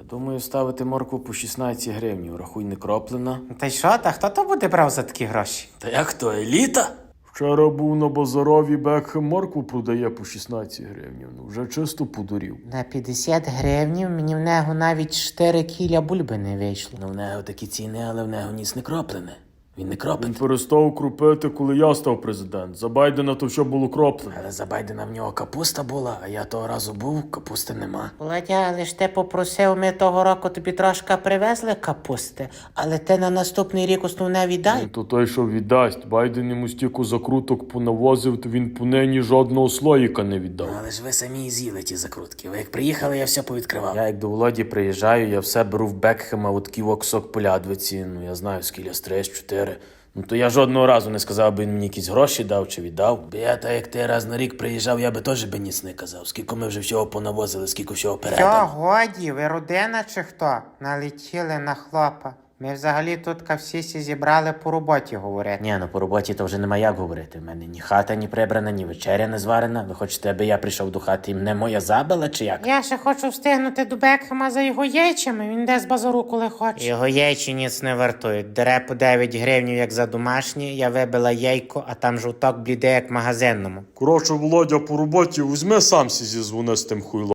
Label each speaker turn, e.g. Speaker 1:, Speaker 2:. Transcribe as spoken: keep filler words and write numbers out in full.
Speaker 1: Думаю, ставити моркву по шістнадцять гривень, рахуй не кроплена.
Speaker 2: Та й що, та хто то буде брав за такі гроші?
Speaker 1: Та як то, еліта?
Speaker 3: Вчора був на базарові, Бекхем моркву продає по шістнадцять гривень. Ну, вже чисто подурів.
Speaker 2: На п'ятдесят гривень мені в нього навіть чотири кіля бульби не вийшло.
Speaker 1: Ну в нього такі ціни, але в нього ніц не кроплене. Він не
Speaker 3: Він
Speaker 1: кропить.
Speaker 3: перестав крупити, коли я став президент. За Байдена то все було кроплене.
Speaker 1: Але за Байдена в нього капуста була, а я того разу був, капусти нема.
Speaker 2: Володя, але ж ти попросив, ми того року тобі трошки привезли капусти, але ти на наступний рік основне віддай.
Speaker 3: Ну, то той, що віддасть. Байден йому стільки закруток понавозив, то він по нині жодного слоїка не віддав.
Speaker 1: Ну, але ж ви самі і з'їли ті закрутки. Ви як приїхали, я все повідкривав.
Speaker 3: Я як до Володі приїжджаю, я все беру в Бекхема, от такий оксок полядвиці, ну я знаю, скільки стрес, чотири. Ну то я жодного разу не сказав, би він мені якісь гроші дав чи віддав.
Speaker 1: Бо я так як ти раз на рік приїжджав, я би теж би ніц не казав. Скільки ми вже всього понавозили, скільки всього
Speaker 2: Що,
Speaker 1: передали.
Speaker 2: годі, ви родина чи хто? Налетіли на хлопа. Ми взагалі тут всі сі зібрали по роботі говорити.
Speaker 1: Ні, ну по роботі то вже нема як говорити. В мене ні хата не прибрана, ні вечеря не зварена. Ви хочете, аби я прийшов до хати і мене моя забила, чи як?
Speaker 2: Я ще хочу встигнути до Бекхема за його яйцями, він де з базару коли хоче. Його яйці ніц не вартують. Дере по дев'ять гривень, як за домашні, я вибила яйко, а там жовток бліде, як в магазинному.
Speaker 3: Коротше, Володя по роботі, візьми сам сі зізвони з тим хуйлом.